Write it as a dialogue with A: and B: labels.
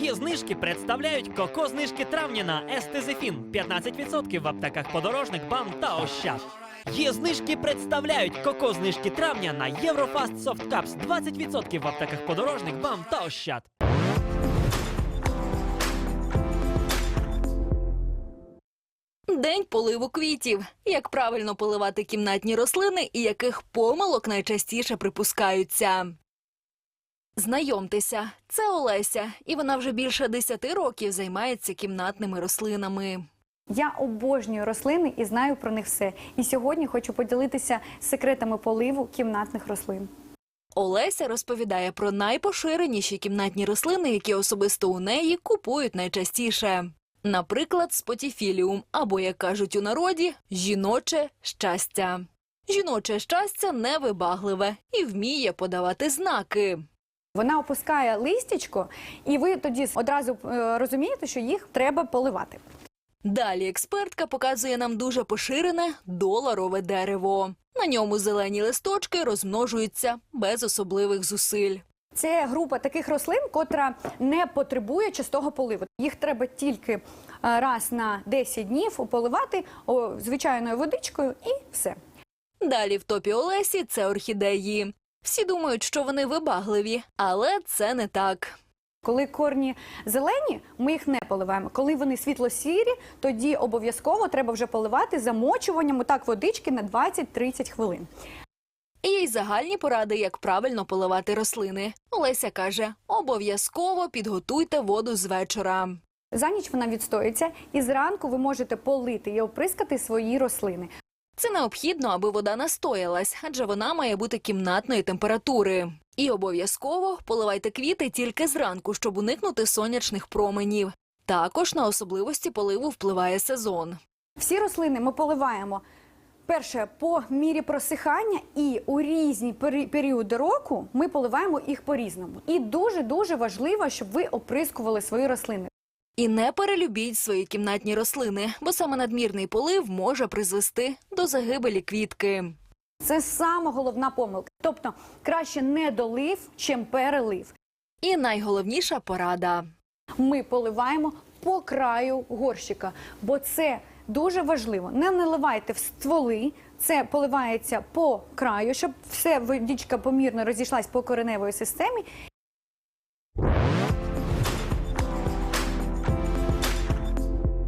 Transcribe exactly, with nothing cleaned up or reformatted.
A: Є знижки представляють коко-знижки травня на Естезефін п'ятнадцять відсотків в аптеках Подорожник, БАМ та Ощад. Є знижки представляють коко-знижки травня на Єврофаст Софт Капс двадцять відсотків в аптеках Подорожник, БАМ та Ощад.
B: День поливу квітів. Як правильно поливати кімнатні рослини і яких помилок найчастіше припускаються. Знайомтеся, це Олеся, і вона вже більше десяти років займається кімнатними рослинами.
C: Я обожнюю рослини і знаю про них все. І сьогодні хочу поділитися секретами поливу кімнатних рослин.
B: Олеся розповідає про найпоширеніші кімнатні рослини, які особисто у неї купують найчастіше. Наприклад, спотіфіліум, або, як кажуть у народі, жіноче щастя. Жіноче щастя невибагливе і вміє подавати знаки.
C: Вона опускає листячко, і ви тоді одразу е, розумієте, що їх треба поливати.
B: Далі експертка показує нам дуже поширене доларове дерево. На ньому зелені листочки розмножуються без особливих зусиль.
C: Це група таких рослин, котра не потребує частого поливу. Їх треба тільки е, раз на десять днів поливати о, звичайною водичкою і все.
B: Далі в топі Олесі – це орхідеї. Всі думають, що вони вибагливі, але це не так.
C: Коли корні зелені, ми їх не поливаємо. Коли вони світло-сірі, тоді обов'язково треба вже поливати замочуванням отак водички на двадцять-тридцять хвилин.
B: І є й загальні поради, як правильно поливати рослини. Олеся каже, обов'язково підготуйте воду з вечора.
C: За ніч вона відстоїться, і зранку ви можете полити і оприскати свої рослини.
B: Це необхідно, аби вода настоялась, адже вона має бути кімнатної температури. І обов'язково поливайте квіти тільки зранку, щоб уникнути сонячних променів. Також на особливості поливу впливає сезон.
C: Всі рослини ми поливаємо, перше, по мірі просихання, і у різні пері- періоди року ми поливаємо їх по-різному. І дуже-дуже важливо, щоб ви оприскували свої рослини.
B: І не перелюбіть свої кімнатні рослини, бо саме надмірний полив може призвести до загибелі квітки.
C: Це сама головна помилка. Тобто краще не долив, чим перелив.
B: І найголовніша порада.
C: Ми поливаємо по краю горщика, бо це дуже важливо. Не наливайте в стволи, це поливається по краю, щоб все водичка помірно розійшлась по кореневої системі.